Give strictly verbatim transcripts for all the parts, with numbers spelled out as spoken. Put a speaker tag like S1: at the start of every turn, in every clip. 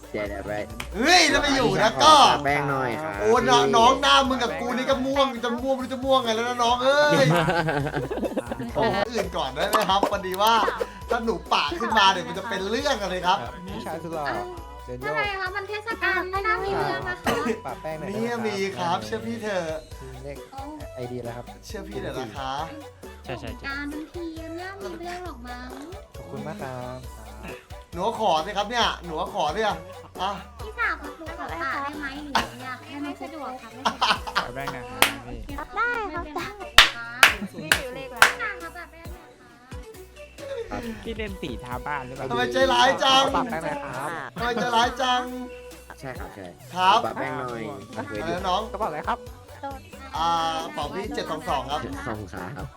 S1: เดี๋ยวเดี๋ยวไป
S2: เฮ้ยจะไปอยู่นะก็
S1: แป้งหน่อยครับ
S2: โอ้น้องน้องหน้ามึงกับกูนี่ก็ม่วงจะม่วงไม่รู้จะม่วงไงแล้วนะน้องเอ้ยโอ้อื่นก่อนได้ไหมครับพอดีว่าถ้าหนูปากขึ้นมาเดี๋ยวมันจะเป็นเรื่องอะไรครับ
S3: ผู้ชายสุดหล่อเซนโย
S4: อะไรคะมันเทศกาลไม่น่ามีเรื่องนะคะ
S3: ปะแป้งหน่อย
S2: นี่มีครับเชื่อพี่เถอะ
S3: เลขไอเดียแล้วครับ
S2: เชื่อพี่เถอะนะคะ
S5: ใช่ใช่ใช่
S4: การบางทีมันน่ามีเรื่องหรอกมั้ง
S3: ขอบคุณมากครับ
S2: หนูขอสิครับเนี่ยหนูขอเนี่ยอ่ะ
S4: พี่สาวกับหนูขอปากได้ไหมหนูอยากให้ไม่สะดวกค่ะไม่สะดวก
S5: ขอแป้งหนะครับพี่
S4: ได้ครับได้ไม่อยู่เลขแล้วค่ะครับแบบนี้ค่ะ
S5: พี่เล่นสีทาบ้านหรือเปล่า
S2: ทำไมใจร้ายจัง
S3: ปะแป้งหน่อยครับ
S2: ทำไมใจร้ายจัง
S1: ใช่ครับใช่
S2: ครับ
S1: ปะแป้งหน่อยเคย
S2: อะไร
S1: ดู
S2: นะน้อง
S3: กระเป๋าอะไรครับ
S2: อ่าเป่าพี่เจ็ดสองสองครับ
S1: สองขาครับ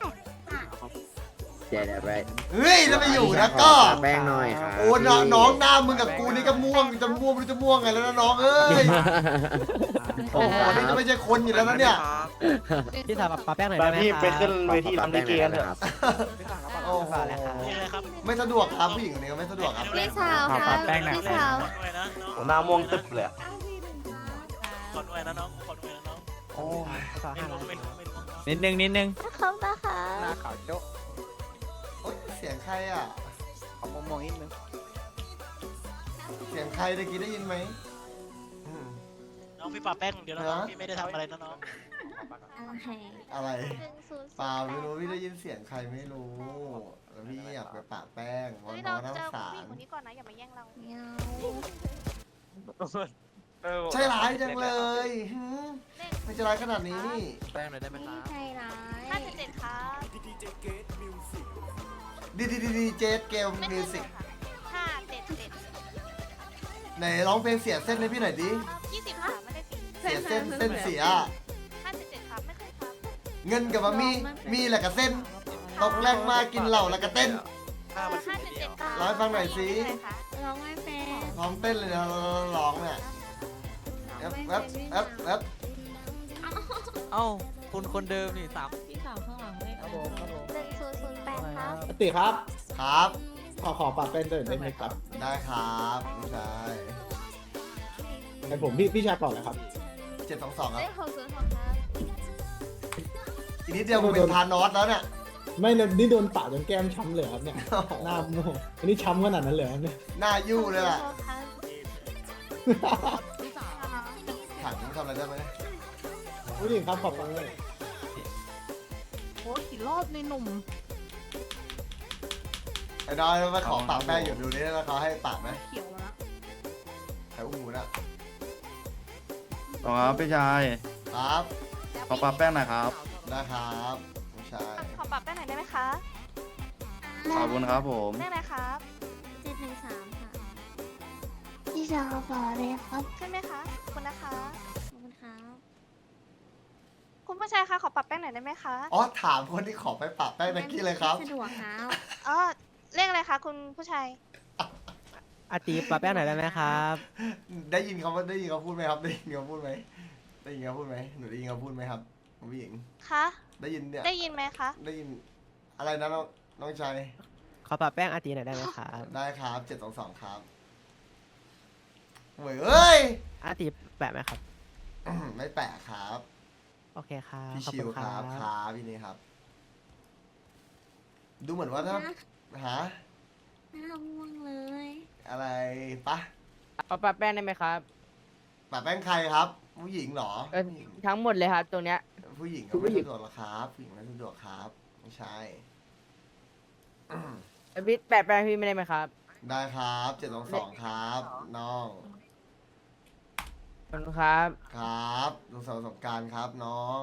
S1: เดี๋ยวเดี๋ยวไป
S2: เฮ้ยจะไปอยู่นะก็
S1: ปะแป้งหน่อยครับ
S2: โอ้น้องน้องหน้ามึงกับกูนี่ก็ม่วงจะม่วงไม่รู้จะม่วงไงแล้วนะน้องเอ้ยโอ้โหนี่จะไม่ใช่คนอยู่แล้วนะเนี่ย
S6: พี่สาวปาแป้งหน่อย
S7: ไป
S6: ได้ไหม
S7: พี่
S6: ครับ
S7: ไปขึ้นเวทีรำลิเกกันเถอะ
S2: โอ้โหไม่สะดวกครับผู้หญิงคนนี้ก็ไม่สะดวกครับ
S4: พี่สาวค่ะพี่สาว
S7: ผมหน้าม่วงตึ๊บเลยอะ
S8: ขอด้วยนะน้องขอด้วยนะน้อง
S2: โอ้ย
S8: ไม่รู้ไม่รู้ไม่รู้
S5: นิดนึงนิดนึง
S4: เขานะคะ
S3: หน้าขาวโจ๊ะ
S2: โอ๊ยเสียงใครอ่ะ
S3: เอามองๆนิดนึง
S2: เสียงใครตะกี้ได้ยินไหมอืม
S8: น้องพี่ปาแป้งเดี๋ยวนะน้องพี่ไม่ได้ทำอะไรนะน้อง
S2: อะไรเปล่าไม่รู้พี่ได้ยินเสียงใครไม่รู้แล้วพี่อยากไปปะแป้งเพราะน้องน้ำสาร
S4: คนนี้ก่อนนะอย่ามาแย่งเรา
S2: ใช่ร้ายจังเลยหืมไม่ใช่ร้ายขนาดนี้นี่
S3: แป้งหน่อยได้ไหมครับ
S4: ใจร้าย
S9: ห้าสิบเจ็ดครับ
S2: ดีดีดีดีเจสเกมมิวสิก
S9: ห้าเจ็ดเจ็ด
S2: ไหนร้องเพลงเสียเส้นให้พี่หน่อยดิ
S9: ยี่สิบค่ะไม่ได้ตี
S2: เสียเส้นเส้นเสีย
S9: ห้าสิบเจ็ดครับไม่เคยครับ
S2: เงินกับมามีมีแหละกับเส้นตกแรงมากินเหล้าแล้วก็เต้น
S9: ห้าสิบเจ็ดครับ
S2: ร้องให้ฟังหน่อยสิ
S4: ร้องไม่เป็น
S2: พร้อมเต้นเลยนะร้องเนี่ยแอปแอปแอปแอป
S6: เอ้าคุณคนเดิมนี่สาม
S4: พี่สาวข้างหลังไม่
S3: ครับผมครับผม
S9: หนึ่งศูนย์ศูนย์แปดครับ
S7: ติครับ
S2: ครับ
S7: ขอขอปากเป็นเดินได้ไหมครับ
S2: ได้ครับผู้ชาย
S7: ไอผมพี่พี่ชายเปล่าเลยครับ
S2: เจ็ดสองสองครับ
S9: เลขหกศูนย์หกครับ
S2: อีกนิดเดียวกูเป็นทานอสแล้วเนี่ย
S7: ไม่เลยนี่โดนปากจนแก้มช้ำเลยครับเนี่ย หน้าโม่อันนี้ช้ำขนาดนั้นเลยครับเนี่ย
S2: หน้ายู่เลยล่ะ
S9: หกครับ
S2: ถังทำอะไรได้ไหม
S7: ผู้หญิงครับขอบคุณเลย
S4: โอ้กี่รอบในหนุ่ม
S2: ไอ้น้อยมาขอปากแป้งอยู่ดูนี่แล้วเขาให้ปากไหม
S4: เขียวแล้ว
S2: ไอ้อุ้มหมูน่ะ
S10: ต่อครับพี่ชาย
S2: ครับ
S10: ขอปลาแป้งหน่อยครับ
S2: ได้ครับผู้ชาย
S9: ขอปรับได้หน่อยได้ไหมคะ
S10: ขอบคุณครับผม
S9: เลขอะไรครับ
S4: เจ็ดหนึ่งสามค่ะพี่สาวขอเลยครับ
S9: ขึ้นไหมคะขอบคุณนะคะ
S4: ขอบคุณครับ
S9: คุณผู้ชายคะขอปรับแป้งหน่อยได้ไหมคะ
S2: อ๋อถามคนที่ขอไปปากแป้งตะกี้เลยครับ
S4: สะดวกครับ
S9: อ๋อเลขอะไรคะคุณผู้ชาย
S6: อาตีปาแป้งหน่อยได้ไหมครับ
S2: ได้ยินเขาได้ยินเขาพูดไหมครับได้ยินเขาพูดไหมได้ยินเขาพูดไหมหนูได้ยินเขาพูดไหมครับผู้หญิง
S9: คะ
S2: ได้ยินเนี่ย
S9: ได้ยินไหมคะ
S2: ได้ยินอะไรนะน้องน้องชาย
S6: ขอปาแป้งอาตีหน่อยได้ไหมครับ
S2: ได้ครับเจ็ดสองสองครับเว้ยเอ้ย
S6: อาตีแปะไหมครับ
S2: อืมไม่แปลกครับ
S6: โอเคครับ
S2: พี่
S6: ขอบ
S2: ชิ
S6: คุ
S2: ว
S6: ณ
S2: ค
S6: ค
S2: รั
S6: รั
S2: บบ ครับพี่นี่ครับ ดูเหมือนว่าถ้าหา
S4: หน้าม่วงเลย
S2: อะไรปะ
S6: เอาปาแป้งได้ไหมครับ
S2: ปะแป้งใครครับ ผู้หญิงเหรอ
S6: เออทั้งหมดเลยครับตรงเนี้ย
S2: ผู้หญิงก็ไม่สะดวกหรอกครับผู้หญิงไม่สะดวกครับไม่ใช่อืม
S6: พี่แปะแป้งพี่ไม่ได้ไหมครับ
S2: ได้ครับเจ็ดสองสองครับน้อง
S6: ขอบคุณครับ
S2: ครับลุงสาวสงกรารครับน้อง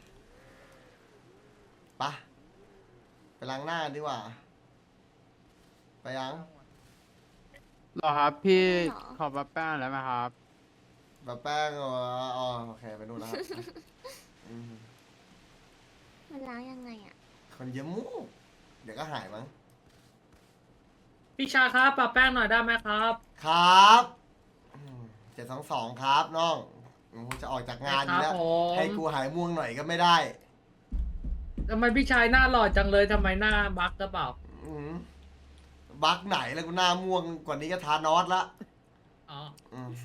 S2: ปะไปล้างหน้ากันดีกว่า ไปยัง
S5: รอครับพี่ขอปลาแป้งแล้วไหมครับ
S2: แบบแป้งเหรออ๋อโอเคไปนู่นแล้วครับอืม
S4: มันล้างยังไงอ่ะ
S2: คนเยอะมูกเดี๋ยวก็หายมั้ง
S11: พี่ชาครับปรับแป้งหน่อยได้ไหมครับ
S2: ครับเจ็ดสองสองครับน้องกูจะออกจากงานอยู่แล้ว
S11: ครับผม
S2: ให้กูหายม่วงหน่อยก็ไม่ได้
S11: ทำไมพี่ชายหน้าหล่อจังเลยทำไมหน้าบักกระเปล่า
S2: อืมบักไหนแล้วกูหน้าม่วงกว่านี้ก็ทานอสละ
S11: อ๋อ
S2: อืม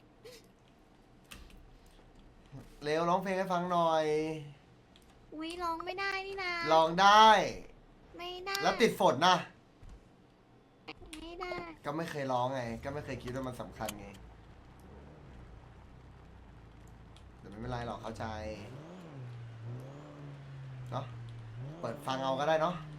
S2: เร็วร้องเพลงให้ฟังหน่อย
S4: อุ้ยร้องไม่ได้นี่นะ
S2: ลองได้
S4: ไม่ได้
S2: แล้วติดฝนนะ
S4: ไม่ได้
S2: ก็ไม่เคยร้องไง ก็ไม่เคยคิดว่ามันสำคัญไงแต่ไม่เป็นไรหรอกเข้าใจ เนาะ เปิดฟังเอาก็ได้เนาะ